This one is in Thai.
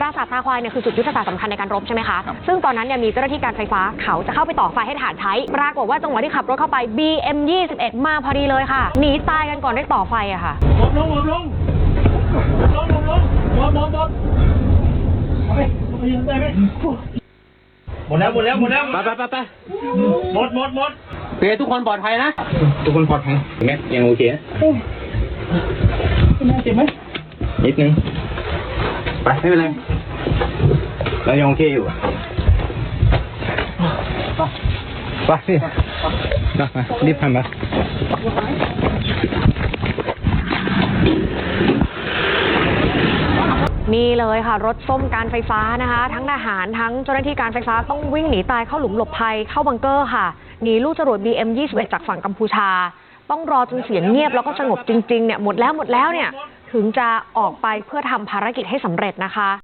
ราสาทตาควายเนี่ยคือจุดยุทธศาสตร์สำคัญในการรบใช่ไหมคะซึ่งตอนนั้นเนี่ยมีเจ้าหน้าที่การไฟฟ้าเขาจะเข้าไปต่อไฟให้ทหารใช้ปรากฏว่าจังหวะที่ขับรถเข้าไป BM21 มาพอดีเลยค่ะหนีตายกันก่อนได้ต่อไฟอะค่ะหมดแล้วไปหมดเพื่อทุกคนปลอดภัยนะทุกคนปลอดภัยแม็กยังโอเคนะเจ็บไหมนิดนึงไปไม่เป็นไรแล้วยังโอเคอยู่ไปสิมารีบทำมานี่เลยค่ะรถส้มการไฟฟ้านะคะทั้งทหารทั้งเจ้าหน้าที่การไฟฟ้าต้องวิ่งหนีตายเข้าหลุมหลบภัยเข้าบังเกอร์ค่ะหนีลูกจรวด BM21 จากฝั่งกัมพูชาต้องรอจนเสียงเงียบแล้วก็สงบจริงๆเนี่ยหมดแล้วเนี่ยถึงจะออกไปเพื่อทำภารกิจให้สำเร็จนะคะ